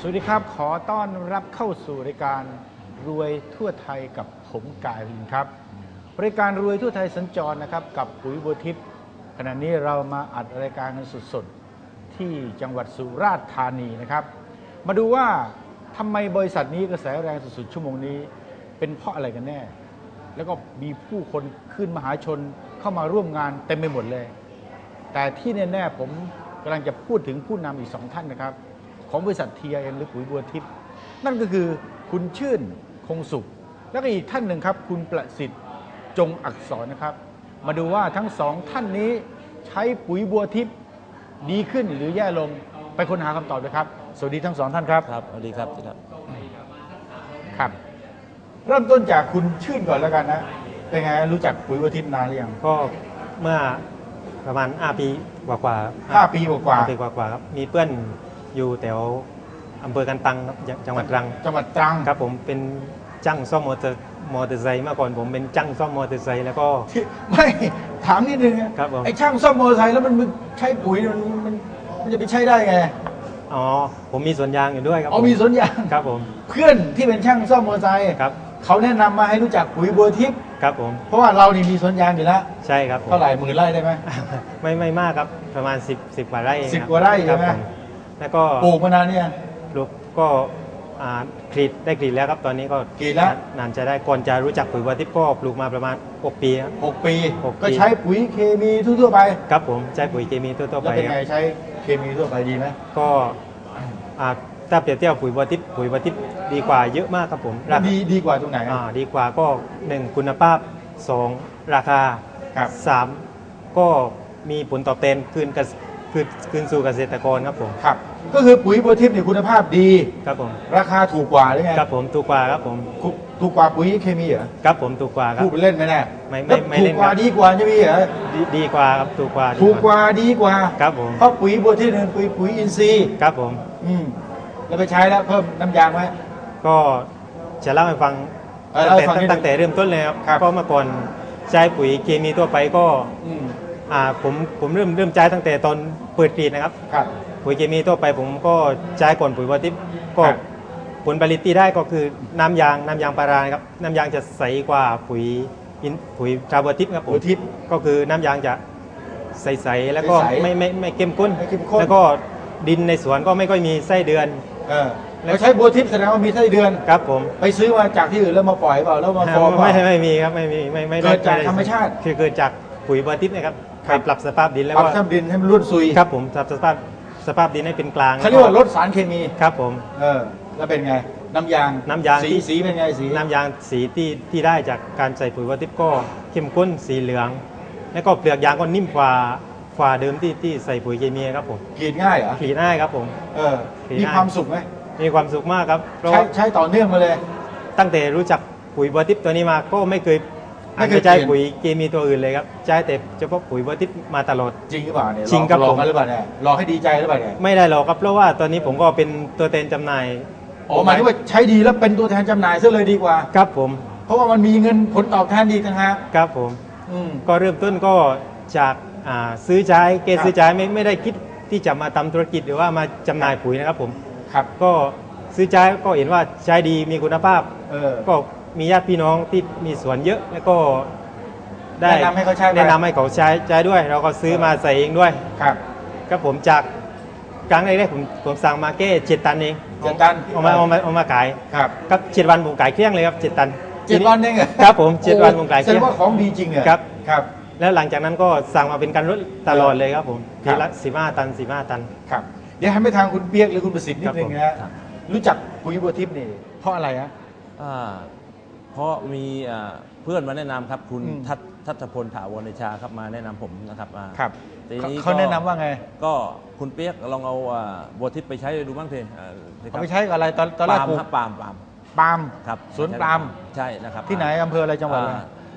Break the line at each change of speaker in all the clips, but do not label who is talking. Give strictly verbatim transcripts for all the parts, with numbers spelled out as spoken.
วัสดีครับขอต้อนรับเข้าสู่รายการรวยทั่วไทยกับผมกายวินครับรายการรวยทั่วไทยสัญจรนะครับกับปุ๋ยบัวทิพย์ขณะนี้เรามาอัดรายการกันสดๆที่จังหวัดสุราษฎร์ธานีนะครับมาดูว่าทำไมบริษัทนี้กระแสแรงสุดๆชั่วโมงนี้เป็นเพราะอะไรกันแน่แล้วก็มีผู้คนขึ้นมหาชนเข้ามาร่วมงานเต็มไปหมดเลยแต่ที่แน่ๆผมกำลังจะพูดถึงผู้นำอีกสองท่านนะครับของบริษัท ที ไอ เอ็ม หรือปุ๋ยบัวทิพย์นั่นก็คือคุณชื่นคงสุขแล้วก็อีกท่านหนึ่งครับคุณประสิทธิ์จงอักษรนะครับมาดูว่าทั้งสองท่านนี้ใช้ปุ๋ยบัวทิพย์ดีขึ้นหรือแย่ลงไปค้นหาคำตอบเลยครับสวัสดีทั้งสองท่านครับ
ครับสวัสดีครับครับ
ครับเริ่มต้นจากคุณชื่นก่อนแล้วกันนะเป็นไงรู้จักปุ๋ยบัวทิพย์นานหรือยัง
ก็เมื่อประมาณห้าปีกว่าๆ
ห้าปีกว่า
ๆปีกว่าๆครับมีเพื่อนอยู่แถวอำเภอกันตังครับจังหวัดตรัง
จังหวัดตรัง
ครับผมเป็นจ้างซ่อมมอเตอร์มอเตอร์ไซค์เมื่อก่อนผมเป็นจ้างซ่อมมอเตอร์ไซค์แล้วก็
ไม่ถามนิดนึง
ครับผม
ไอ้ช่างซ่อมมอเตอร์ไซค์แล้วมันใช้ปุ๋ยมันมันมันจะไปใช้ได้ไง
อ๋อผมมีสวนยางอยู่ด้วยครับ
อ๋อมีสวนยาง
ครับผม
เพื่อนที่เป็นช่างซ่อมมอเตอร์ไซค์
ครับ
เขาแนะนำมาให้รู้จักปุ๋ยบัวทิพย์
ครับผม
เพราะว่าเรานี่มีสวนยางอยู่แล้ว
ใช่ครับ
เท่าไหร่หมื่นไร่ได้ไหม
ไม่ไม่มากครับประมาณสิบสิบกว่าไร่
สิบกว่าไร่ใช่ไหม
แล้วก็
ปลูกมานานเนี่ย
ปลูกก็กรีดได้กรีดแล้วครับตอนนี้ก็
กรีดแล้ว
นานจะได้ก่อนจะรู้จักปุ๋ยบัวทิพย์ก็ปลูกมาประมาณหกปี
หกปีก็ใช้ปุ๋ยเคมีทั่วไป
ครับผมใช้ปุ๋ยเคมีทั่วไป
แล้วเป็นไงใช้เคมีทั่วไปดีไหม
ก็ถ้าเปรียบเทียบปุ๋ยบัวทิพย์ปุ๋ยบัวทิพย์ดีกว่าเยอะมากครับผม
ดีดีกว่าตรงไหน
อ่าดีกว่าก็หนึ่งคุณภาพสองราคาสามก็มีผลตอบแทนคืนกับคืนคืนสู่เกษตรกรครับผม
ครับก็คือปุ๋ยบัวทิพย์เนี่ยคุณภาพดี
ครับผม
ราคาถูกกว่าหรือไง
ครับผมถูกกว่าครับผม
ถูกกว่าปุ๋ยเคมีเหรอ
ครับผมถูกกว่าครับ
พูดเล่นไหมแน่
ไม่ไม่ไม่เล่น
ถูกกว่าดีกว่าใช่ไหมเหรอ
ดีกว่าครับถูกกว่า
ถูกกว่าดีกว่า
ครับผม
เพราะปุ๋ยบัวทิพย์เป็นปุ๋ยปุ๋ยอินทรีย์
ครับผม
อืมแล้วไปใช้แล้วเพิ่มน้ำยางไหม
ก็จะเล่าให้ฟังตั้งแต่เริ่มต้นเลยครับก็เมื่อก่อนใช้ปุ๋ยเคมีทั่วไปก็อ่าผมผมเริ่มเริ่มใช้ตั้งแต่ตอนเปิดกรีดนะครับปุ๋ยเคมีทั่วไปผมก็ใช้ก่อนปุ๋ยบัวทิพย์ก็ผลผลิตที่ได้ก็คือน้ำยางน้ำยางพาราครับน้ำยางจะใสกว่าปุ๋ยปุ๋ยตราบัวทิพย์ครับผมก็คือน้ำยางจะใสๆแล้วก็ไม่ไม่ไม่เข้มข้นแล้วก็ดินในสวนก็ไม่ค่อยมีไส้เดือน
แล้วใช้บัวทิพย์แสดงว่ามีไส้เดือน
ครับผม
ไปซื้อมาจากที่อื่นแล้วมาปล่อยเปล่าแล้วมาฟอร์ม
ไม่ไม่มีครับไม่มีไม่ไม่
เกิดจากธรรมชาติ
คือเกิดจากปุ๋ยบัวทิพย์นะครับไปปรับสภาพดินแล้ว
ปรับสภาพดินให้มันรุ่นซุย
ครับผมปรับสภาพสภาพดินให้เป็นกลาง
เขาเรียกว่าลดสารเคมี
ครับผม
เออแล้วเป็นไงน้ำยาง
น้ำยาง
สีสีเป็นไงสี
น้ำยางสีที่ที่ได้จากการใส่ปุ๋ยบัวทิพย์ก็เข้มข้นสีเหลืองแล้วก็เปลือกยางก็นิ่มกว่าฝ่าเดิมที่ที่ใส่ปุ๋ยเคมีครับผม
กรีดง่ายเหรอก
รีดง่ายครับผม
เออมีความสุขไหม
มีความสุขมากครับ
ใช้ใช้ต่อเนื่องมาเลย
ตั้งแต่รู้จักปุ๋ยบัวทิพย์ตัวนี้มาก็ไม่เคยไม่เคยใช้ปุ๋ยเคมีตัวอื่นเลยครับใช้แต่เฉพาะปุ๋ยบัวทิพย์มาตลอด
จริงหรือเปล่าเนี่ย
จริงครับ
ผมหรือเปล่าเนี่ยรอให้ดีใจหรือเปล่าเนี่ย
ไม่ได้หรอกครับเพราะว่าตอนนี้ผมก็เป็นตัวแทนจำหน่าย
อ๋อหมายถึงว่าใช้ดีแล้วเป็นตัวแทนจำหน่ายซะเลยดีกว่า
ครับผม
เพราะว่ามันมีเงินผลตอบแทนดีต่างหาก
ครับผมก็เริ่มต้นก็จากซื้อใช้เกซื้อใช้ไม่ไม่ได้คิดที่จะมาทำธุรกิจหรือว่ามาจำหน่ายปุ๋ยนะครับผม
ครับ
ก็ซื้อใช้ก็เห็นว่าใช้ดีมีคุณภาพก็มีญาติพี่น้องที่มีสวนเยอะแล้วก็
ได้แนะนำให้เขาใช้
แนะนำให้เขาใช้ใช้ด้วยเราก็ซื้อมาใส่เองด้วย
ครับ
ก็ผมจากครั้งแรกๆผมผมสั่งมาแค่เจ็ดตันเอง
เจ็ดตัน
เอามาเอามาเอามาขาย
ครับ
ครับเจ็ดวันผมขายเครื่องเลยครับเจ็ดตัน
เจ็ดวันเอง
ครับผมเจ็ดวันผมขายเค
รื่องแสดงว่าของดีจริงเหรอ
ครับ
ครับ
แล้วหลังจากนั้นก็สั่งมาเป็นการรถตลอดเลยครับผมทีละสิบห้าตันสิบห้าตัน
ครับเดี๋ยวให้ไปทางคุณเปียกหรือคุณประสิทธิ์นิดนึงนะรู้จักปุ๋ยบัวทิพย์นี่เพราะอะไรฮะ
เพราะมีเพื่อนมาแนะนำครับคุณทัศทัศพลถาวรชาครับมาแนะนำผมนะครับ
ครับเขาแนะนำว่าไง
ก็คุณเปียกลองเอาบัวทิพย์ไปใช้ดูบ้างเถอะ
เอาไปใช้กับอะไรตอนตอนแรกปลูก
ปาล์มปาล์ม
ปาล์ม
ครับ
สวนปาล์ม
ใช่นะครับ
ที่ไหนอำเภออะไรจังหวัดอะไร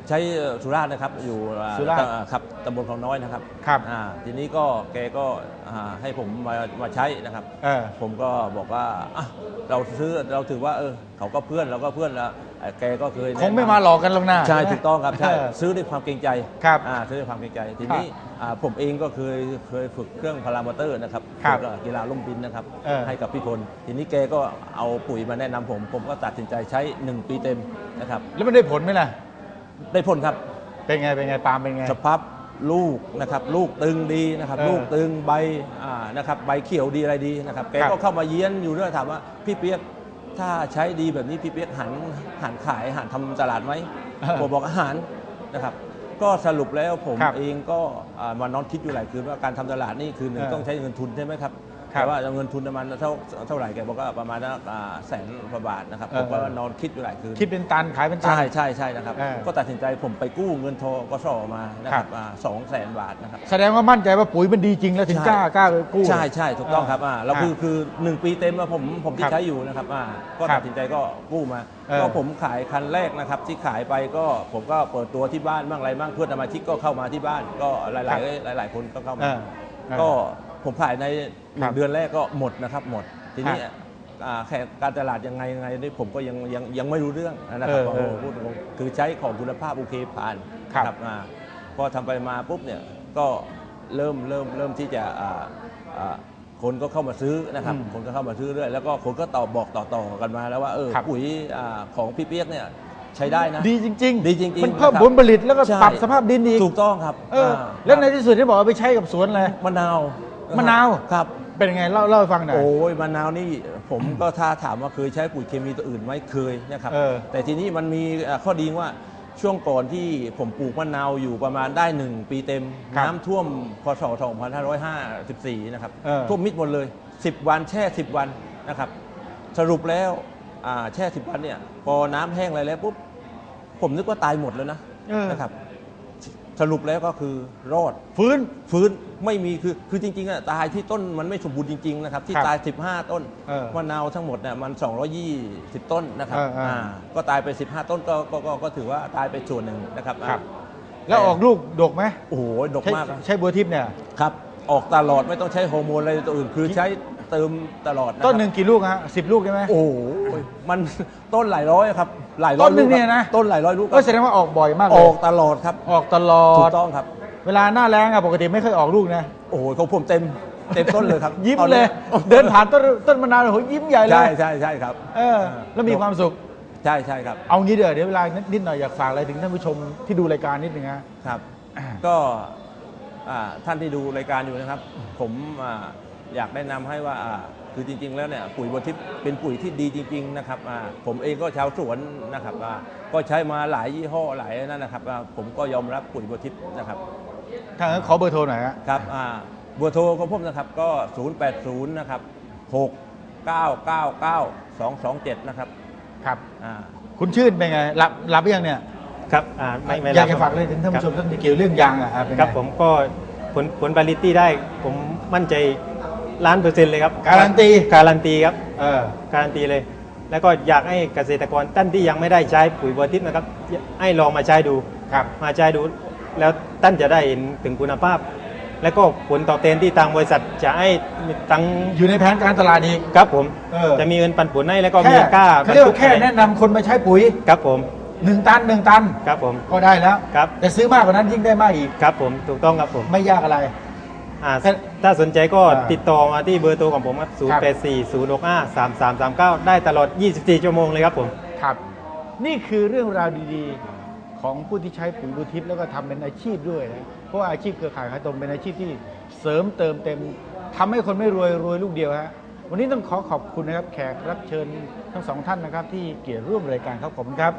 ใช้สุราษฎร์นะครับอยู่อ่า
สุราษฎร์
อ่าครับตำบลคลองน้อยนะครับ
ครับ
อ่าทีนี้ก็แกก็อ่าให้ผมมามาใช้นะครับ
เออ
ผมก็บอกว่าอ่ะเราซื้อเราถือว่าเออเขาก็เพื่อนเราก็เพื่อนแล้วเอ่อแกก็เคย
คงไม่มาหลอกกันหรอกนะ
ใช่
ไหม
ถูกต้องครับใช่
เออ
ซื้อด้วยความเกรงใจ
ครับ
อ่าซื้อด้วยความเกรงใจทีนี้อ่าผมเองก็เคยเคยฝึกเครื่องพารามอเตอร์นะครับ
ครับ
ฝึกกีฬาล่มบินนะครับ
เออ
ให้กับพี่พลทีนี้แกก็เอาปุ๋ยมาแนะนำผม ผมก็ตัดสินใจใช้หนึ่งปีเต็มนะครับ
แล้วมันได้ผลไหมล่ะ
ได้ผลครับ
เป็นไงเป็นไงปาล์มเป็นไง
สภาพลูกนะครับลูกตึงดีนะครับ
เออ
ลูกตึงใบอ่านะครับใบเขียวดีอะไรดีนะครับแก
ครับ
ก็เข้ามาเยี้ยนอยู่เรื่อยถามว่าพี่เปียกถ้าใช้ดีแบบนี้พี่เปียกหันหันขายหันทำตลาดไหม
เออ
ผมบอกอาหารนะครับ ก็สรุปแล้วผม
ครับ
เองก็อ่ามานอนคิดอยู่หลายคืนว่าการทำตลาดนี่คือหนึ่ง
เออ
ต้องใช้เงินทุนใช่ไหมครับ
ครับ
แต่ว่าเงินทุนประมาณเท่าเท่าไหร่แกบอกว่าประมาณอ่าแสนกว่าบาทนะครับผมก็
เออ
นอนคิดอยู่หลายคืน
คิดเป็นตันขายเป็นตัน
ใช่ใช่ใช่นะครับ
เออ
ก็ตัดสินใจผมไปกู้เงินทกสมานะค
ครั
รับบ สองแสนบาทนะครับ
แสดงว่ามั่นใจว่าปุ๋ยมันดีจริงแล้วถึง
ใช่
กล้ากล้าไปกู้
ใช่ใช่ถูกต้องครับอ่าเราคือคือหนึ่งปีเต็มอะผมผมที่
ครับ
ใช้อยู่นะครับอ่าก็
ครั
ตั
บ
ดสินใจก็กู้มา
เออ
ก็ผมขายคันแรกนะครับที่ขายไปก็ผมก็เปิดตัวที่บ้านบ้างอะไรบ้างเพื่อนสมาชิกก็เข้ามาที่บ้านก็หลายหลายๆหลาย ๆ คนก็เข้ามา
เออเออ
ก็ผมขายในห
ครั
นึ่
บ
งเดือนแรกก็หมดนะครับหมดทีนี้
ครับ
อ่าแค่การตลาดยังไงยังไงนี่ผมก็ยังยังยังไม่รู้เรื่องนะครับ
เออเออ
โอ้โหพูดตรงๆคือใช้ของคุณภาพโอเคผ่าน
ครับ
นะอ่าพอทำไปมาปุ๊บเนี่ยก็เริ่มเริ่มเริ่มที่จะอ่าอ่าคนก็เข้ามาซื้อนะครับ
อืม
คนก็เข้ามาซื้อเรื่อยแล้วก็คนก็ตอบบอกต่อๆกันมาแล้วว่าเออ
ครับ
ปุ๋ยอ่าของพี่เปียกเนี่ยใช้ได้นะ
ดีจริงๆ
ดีจริงๆ
มันเพิ่ม
นะครับ
ผลผลิตแล้วก็
ใช่
ปรับสภาพดินอีก
ถูกต้องครับ
เออ
อ่า
แล้วในที่สุดที่บอกว่าไปใช้กับสวนเลย
มะนาว
มะนาว
ครับ
เป็นยังไงเล่าเล่าให้ฟังหน่อย
โอ้ยมะนาวนี่ผมก็ถ้าถามว่าเคยใช้ปุ๋ยเคมีตัวอื่นไหมเคยนะครับ
เออ
แต่ทีนี้มันมีเอ่อข้อดีว่าช่วงก่อนที่ผมปลูกมะนาวอยู่ประมาณได้หนึ่งปีเต็ม
ครับ
น้ำท่วมพศสองพันห้าร้อยห้าสิบสี่นะครับ
เออ
ท่วมมิดหมดเลย สิบ วันแช่ สิบ วันนะครับ สรุปแล้วอ่าแช่ สิบ วันเนี่ยพอน้ำแห้งอะไรแล้วปุ๊บผมนึกว่าตายหมดแล้วนะ
เออ
นะครับ สรุปแล้วก็คือรอด
ฟื้น
ฟื้นไม่มีคือคือจริงๆอะตายที่ต้นมันไม่สมบูรณ์จริงๆนะครับที่
ครับ
ตาย สิบห้า ต้น
เออ
มะนาวทั้งหมดเนี่ยมัน สองร้อยยี่สิบ ต้นนะครับ
เออเอออ่
าก็ตายไป สิบห้า ต้นก็ก็ก็ก็ถือว่าตายไปส่วนหนึ่งนะครับ
ครับ
อ่า
แล้วออกลูกดกไหม
โอ้โหดก
ใช้
มากนะ
ใช้บัวทิพย์เนี่ย
ครับ ออกตลอดไม่ต้องใช้ฮอร์โมนอะไรตัวอื่น คือใช้เติมตลอดะครับ
ต้นหนึ่งกี่ลูกฮะสิบลูกใช่ไหม
โอ้โหมันต้นหลายร้อยครับหลายร้อย
ต้นหนึ่ง
ลูกครับ
เนี่ยนะ
ต้นหลายร้อยลูกค
ก็
รับ
แสดงว่าออกบ่อยมากเล
อย อกตลอดครับ
ออกตลอ
ถู
ด
กต้องครับ
เวลาหน้าแล้งอะปกติไม่เคยออกลูกนะ
โอ้โหของผมเต็มเต็มต้นเลยครับ
ยิ้ม
ตอน
เล
นี้
ย เดินผ่านต้นต้นมะนาวโอ้โหยิ้มใหญ่เล
ใช่
ย
ใช่ใช่ครับ
เออ แล้วมีความสุข
ใช่ใช่ครับ
เอางี้เดี๋ยวเดี๋ยวเวลานิดหน่อยอยากฝากอะไรถึงท่านผู้ชมที่ดูรายการนิดนึงฮะ
ครับ
อ่า
ก็อ่าท่านที่ดูรายการอยู่นะครับ ผมอ่าอยากแนะนำให้ว่าอ่าคือจริง ๆ แล้วเนี่ยปุ๋ยบัวทิพย์เป็นปุ๋ยที่ดีจริง ๆ นะครับอ่าผมเองก็ชาวสวนนะครับอ่าก็ใช้มาหลายยี่ห้อหลายนั่นนะครับอ่าผมก็ยอมรับปุ๋ยบัวทิพย์นะครับ
ถ้างั้นขอเบอร์โทรหน่อยฮะ
ครับอ่าเบอร์โทรของผมนะครับก็ ศูนย์ แปด ศูนย์ นะครับ หก เก้า เก้า เก้า สอง สอง เจ็ด นะครับ
ครับ
อ่า
คุณชื่นเป็นไงหลับหลับหรือยังเนี่ย
ครับอ่าไม่ไม่
อยาก
รับ
จะฝากอะไรถึงท่านผู้ชมท่านที่เกี่ยวเรื่องยางอะครับเป็นไง
ครับผมก็ผลผลผลิตที่ได้ผมมั่นใจล้านเปอร์เซ็นต์เลยครับ
การันตี
การันตีครับ
เออ
การันตีเลย แล้วก็อยากให้เกษตรกรท่านที่ยังไม่ได้ใช้ปุ๋ยบัวทิพย์นะครับให้ลองมาใช้ดู
ครับ
มาใช้ดู แล้วท่านจะได้เห็นถึงคุณภาพ แล้วก็ผลตอบแทนที่ทางบริษัทจะให้ตังค์
อยู่ในแผนการตลาดอีก
ครับผม
เออ
จะมีเงินปันผลให้แล้วก็
แค่
มีค่า
เขาเรียก
บรรทุ
ว่าแค่แนะนำคนมาใช้ปุ๋ย
ครับผม
หนึ่งตันหนึ่งตัน
ครับผม
ก็ได้แล้ว
ครับ
แต่ซื้อมากกว่านั้นยิ่งได้มากอีก
ครับผมถูกต้องครับผม
ไม่ยากอะไร
อ่า
ถ้า
ถ้าสนใจก็
อ่า
ติดต่อมาที่เบอร์โทรของผมครับ ศูนย์ แปด สี่ ศูนย์ หก ห้า สาม สาม สาม เก้า ได้ตลอด ยี่สิบสี่ ชั่วโมงเลยครับผม
ครับ นี่คือเรื่องราวดีๆ ของผู้ที่ใช้ปุ๋ยบัวทิพย์แล้วก็ทำเป็นอาชีพด้วยนะเพราะว่าอาชีพเครือข่ายขายตรงเป็นอาชีพที่เสริมเติมเต็มทำให้คนไม่รวยรวยลูกเดียวฮะวันนี้ต้องขอขอบคุณนะครับแขกรับเชิญทั้งสองท่านนะครับ ที่เกียรติร่วมรายการครับขอบคุณครับ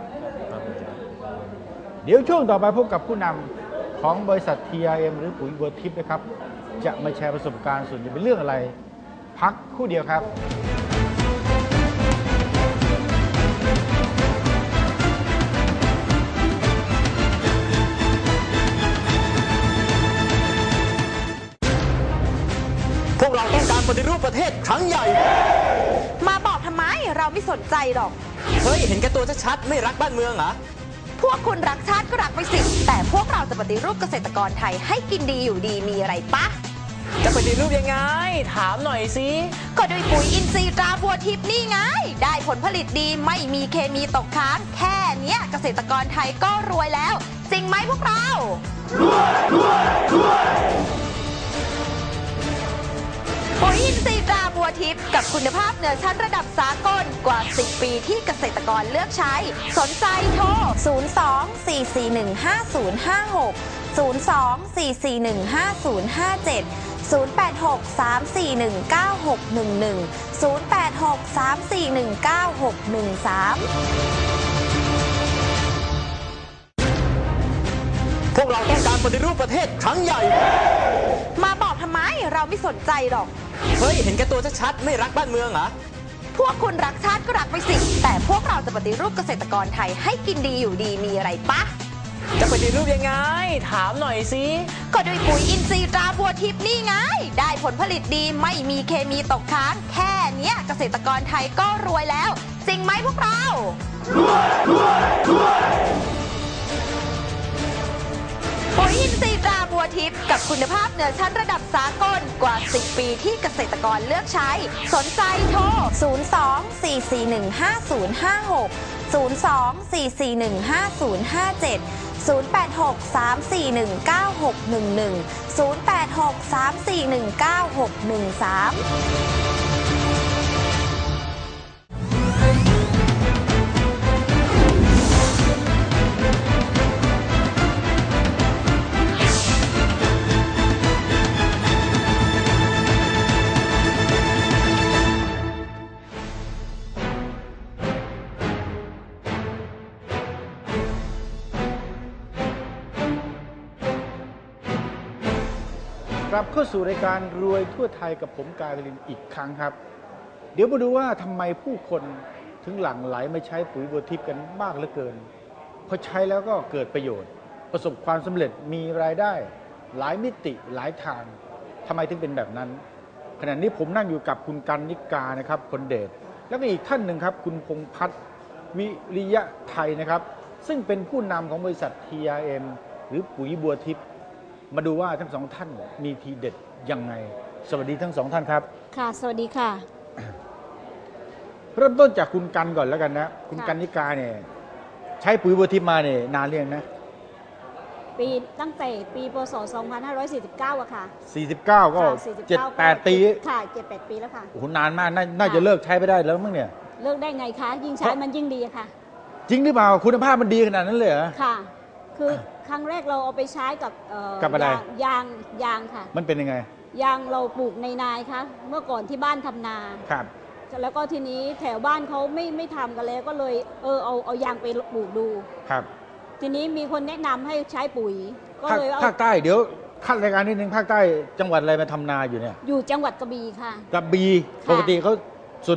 เดี๋ยวช่วงต่อไปพบกับผู้นำของบริษัท ที อาร์ เอ็ม หรือปุ๋ยบัวทิพย์นะครับ จะมาแชร์ประสบการณ์ส่วนจะเป็นเรื่องอะไร พักครู่เดียวครับ
พวกเราต้องการปฏิรูปประเทศครั้งใหญ่
มาบอกทำไมเราไม่สนใจหรอก
เฮ้ย เห็นแก่ตัวชัดๆไม่รักบ้านเมืองเหรอ
พวกคุณรักชาติก็รักไปสิแต่พวกเราจะปฏิรูปเกษตรกรไทยให้กินดีอยู่ดีมีอะไรปะ
จะปฏิรูปยังไงถามหน่อยสิ
ก็ด้วยปุ๋ยอินทรีย์ตราบัวทิพย์นี่ไงได้ผลผลิตดีไม่มีเคมีตกค้างแค่เนี้ยเกษตรกรไทยก็รวยแล้วจริงไหมพวกเราปุ๋ยอินทรีย์ตราบัวทิพย์กับคุณภาพเหนือชั้นระดับสากลกว่าสิบปีที่เกษตรกรเลือกใช้สนใจโทร ศูนย์ สอง สี่ สี่ หนึ่ง ห้า ศูนย์ ห้า หก ศูนย์ สอง สี่ สี่ หนึ่ง ห้า ศูนย์ ห้า เจ็ด ศูนย์ แปด หก สาม สี่ หนึ่ง เก้า หก หนึ่ง หนึ่ง ศูนย์ แปด หก สาม สี่ หนึ่ง เก้า หก หนึ่ง สาม
พวกเราต้องการปฏิรูปประเทศครั้งใหญ่
มาบอกทำไมเราไม่สนใจหรอก
เฮ้ย เห็นแก่ตัวชัดๆไม่รักบ้านเมืองเหรอ
พวกคุณรักชาติก็รักไปสิแต่พวกเราจะปฏิรูปเกษตรกรไทยให้กินดีอยู่ดีมีอะไรปะ
จะปฏิรูปยังไงถามหน่อยสิ
ก็ด้วยปุ๋ยอินทรีย์ตราบัวทิพย์นี่ไงได้ผลผลิตดีไม่มีเคมีตกค้างแค่เนี้ยเกษตรกรไทยก็รวยแล้วจริงไหมพวกเราปุ๋ยอินทรีย์ตราบัวทิพย์กับคุณภาพเหนือชั้นระดับสากลกว่าสิบปีที่เกษตรกรเลือกใช้สนใจโทร ศูนย์ สอง สี่ สี่ หนึ่ง ห้า ศูนย์ ห้า หก ศูนย์ สอง สี่ สี่ หนึ่ง ห้า ศูนย์ ห้า เจ็ด ศูนย์ แปด หก สาม สี่ หนึ่ง เก้า หก หนึ่ง หนึ่ง ศูนย์ แปด หก สาม สี่ หนึ่ง เก้า หก หนึ่ง สาม
กลับเข้าสู่รายการรวยทั่วไทยกับผมกายพลินอีกครั้งครับเดี๋ยวมาดูว่าทำไมผู้คนถึงหลั่งไหลมาใช้ปุ๋ยบัวทิพย์กันมากเหลือเกินพอใช้แล้วก็เกิดประโยชน์ประสบความสำเร็จมีรายได้หลายมิติหลายทางทำไมถึงเป็นแบบนั้นขณะนี้ผมนั่งอยู่กับคุณกันนิกานะครับคนเดชแล้วก็อีกท่านหนึ่งครับคุณพงษ์พัฒน์วิริยะไทยนะครับซึ่งเป็นผู้นำของบริษัท ที อาร์ เอ็ม หรือปุ๋ยบัวทิพย์มาดูว่าทั้งสองท่านมีทีเด็ดยังไงสวัสดีทั้งสองท่านครับ
ค่ะสวัสดีค่ะ
เริ่มต้นจากคุณกันก่อนแล้วกันนะคุณกันนิกาเนี่ยใช้ปุ๋ยบัวทิพย์มาเนี่ยนานเรียงนะ
ปีตั้งแต่ปีพ.ศ. สองพันห้าร้อยสี่สิบเก้าอะค่ะ
สี่สิบเก้าก็เจ็ดแปดปี
ค่ะเจ็ดแปดปีแล้วค่ะ
โอ้โหนานมากน่าจะเลิกใช้ไปได้แล้วมั้งเนี่ย
เลิกได้ไงคะยิ่งใช้มันยิ่งดีค่ะ
จริงหรือเปล่าคุณภาพมันดีขนาดนั้นเลยเหรอ
ค่ะคือครั้งแรกเราเอาไปใช้กับ
กับอะไร
ยางยางค่ะ
มันเป็นยังไง
ยางเราปลูกในนาค่ะเมื่อก่อนที่บ้านทำนา
ครับ
แล้วก็ทีนี้แถวบ้านเขาไม่ไม่ทำกันแล้วก็เลยเออเอาเอายางไปปลูกดู
ครับ
ทีนี้มีคนแนะนำให้ใช้ปุ๋ย
ก็เลยภาคใต้เดี๋ยวขั้นรายการนิดนึงภาคใต้จังหวัดอะไรมาทำนาอยู่เนี่ย
อยู่จังหวัดกระบี่ค่ะ
กระบี่ปกติเขา